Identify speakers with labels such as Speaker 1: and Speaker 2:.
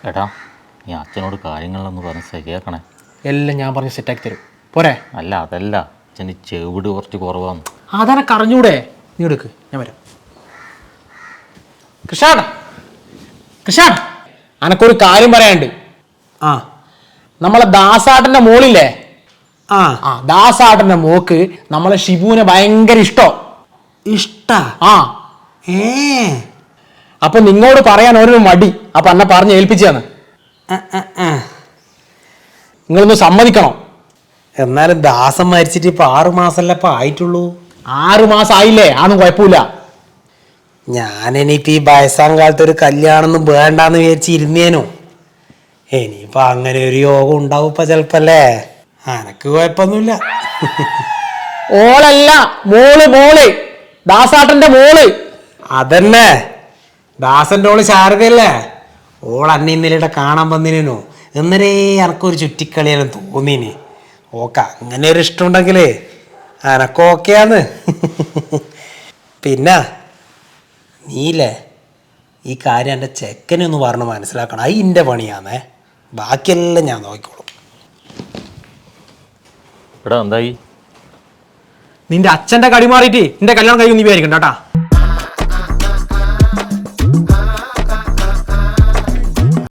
Speaker 1: എടാ നീ അച്ഛനോട് കാര്യങ്ങളൊന്ന് പറഞ്ഞ് ശരിയാക്കണേ.
Speaker 2: എല്ലാം ഞാൻ പറഞ്ഞ് സെറ്റാക്കി തരും പോരെ.
Speaker 1: അല്ല അതല്ല, അച്ഛന് ചെവിട് കുറച്ച് കുറവാന്ന്.
Speaker 2: അതെനക്ക് അറിഞ്ഞൂടെ, നീ എടുക്ക്, ഞാൻ വരാം. കൃഷാട് കൃഷാട് അനക്കൊരു കാര്യം പറയാനുണ്ട്. ആ നമ്മളെ ദാസാട്ടൻ്റെ മോളില്ലേ, ആ ദാസാട്ടൻ്റെ മോക്ക് നമ്മളെ ഷിബുവിനെ ഭയങ്കര ഇഷ്ടാ. ആ അപ്പൊ നിങ്ങളോട് പറയാൻ ഓരോ മടി, അപ്പൊ എന്നെ പറഞ്ഞ് ഏൽപ്പിച്ചാണ്. നിങ്ങളൊന്ന് സമ്മതിക്കണം.
Speaker 3: എന്നാലും ദാസം മരിച്ചിട്ട് ഇപ്പൊ 6 മാസമല്ല ഇപ്പൊ ആയിട്ടുള്ളൂ.
Speaker 2: 6 മാസം ആയില്ലേ, അതൊന്നും കുഴപ്പമില്ല.
Speaker 3: ഞാനിനിയിപ്പോ ഈ വയസ്സാം കാലത്ത് ഒരു കല്യാണമൊന്നും വേണ്ടാന്ന് വിചാരിച്ചിരുന്നേനു. ഇനിയിപ്പൊ അങ്ങനെ ഒരു യോഗം ഉണ്ടാവും ഇപ്പൊ ചെലപ്പല്ലേ. അനക്ക് കുഴപ്പമൊന്നുമില്ല.
Speaker 2: ഓളല്ല, മോള് ദാസാട്ടന്റെ മോള്.
Speaker 3: അതന്നെ ദാസന്റെ ഓള് ശാരദയല്ലേ. ഓൾ അന്നെ ഇന്നലെ കാണാൻ വന്നിനു. എന്നരേ എനക്കൊരു ചുറ്റിക്കളിയാലും തോന്നീന്. ഓക്ക അങ്ങനെ ഒരു ഇഷ്ടമുണ്ടെങ്കിലേ എനക്കോക്കെയാന്ന്. പിന്നെ നീല്ലേ ഈ കാര്യം എൻ്റെ ചെക്കനൊന്ന് പറഞ്ഞ് മനസ്സിലാക്കണം. അത് എൻ്റെ പണിയാന്നേ, ബാക്കിയെല്ലാം ഞാൻ നോക്കിക്കോളും.
Speaker 1: എടാ എന്തായി?
Speaker 2: നിന്റെ അച്ഛന്റെ കടി മാറിയിട്ട് നിന്റെ കല്യാണം കഴിയും നീ വിചാരിക്കണ്ട കേട്ടാ.